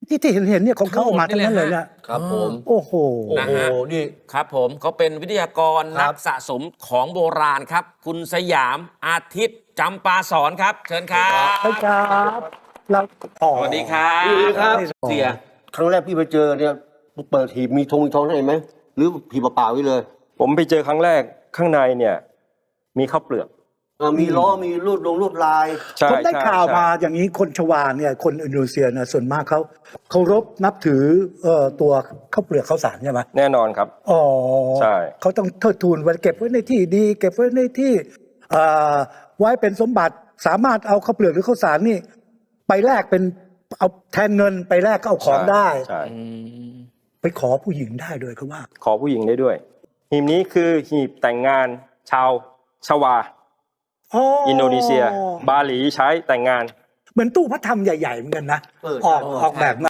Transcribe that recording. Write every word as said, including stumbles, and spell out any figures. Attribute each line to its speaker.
Speaker 1: ที่ที่เห็นเห็นเนี่ยของเขาออกมาทั้งนั้นเลยเนี่ย
Speaker 2: ครับผม
Speaker 1: โอ้โห
Speaker 2: โอ้โหนี่
Speaker 3: ครับผมเขาเป็นวิทยากร
Speaker 2: ครั
Speaker 3: นั
Speaker 2: บ
Speaker 3: กสะสมของโบราณครับ คุณสยามอาทิตย์จำปาสอนครับ เชิญครับ
Speaker 1: ใช่ครับเราอ๋อ
Speaker 3: สวัสดีครับ
Speaker 2: สวัสดีครับ
Speaker 3: เสีย
Speaker 2: ครั้งแรกพี่ไปเจอเนี่ยเปิดหีบมีธงมีทองให้ไหมหรือหีบเปล่าๆไว้เลย
Speaker 4: ผมไปเจอครั้งแรกข้างในเนี่ยมีข้าวเปลือก
Speaker 2: อ่ามีล้อมีรูดลงรูดลาย
Speaker 4: ใช่
Speaker 1: ผมได้
Speaker 4: ใช่
Speaker 1: ข่าว
Speaker 4: ใช่
Speaker 1: มาอย่างนี้คนชวาเนี่ยคนอินโดนีเซียเนี่ยส่วนมากเขาเคารพนับถือเอ่อตัวข้าวเปลือกข้าวสารใช่ไหม
Speaker 4: แน่นอนครับ
Speaker 1: อ๋อ
Speaker 4: ใช่
Speaker 1: เขาต้องเทิดทูนไว้เก็บไว้ในที่ดี เก็บไว้ในที่เอ่อไว้เป็นสมบัติสามารถเอาข้าวเปลือกหรือข้าวสารนี่ ไปแลกเป็นเอาแทนเงินไปแลกก็เอาของได้
Speaker 4: ใช่
Speaker 1: ไปขอผู้หญิงได้ด้วยเขาว่า
Speaker 4: ขอผู้หญิงได้ด้วย หีบนี้คือหีบแต่งงานชาวชวา อินโดนีเซีย บาหลีใช้แต่งงาน
Speaker 1: เหมือนตู้พระธรรมใหญ่ๆเหมือนกันนะ
Speaker 2: เออ
Speaker 1: ออก
Speaker 2: ใช่
Speaker 1: ออกแบบมา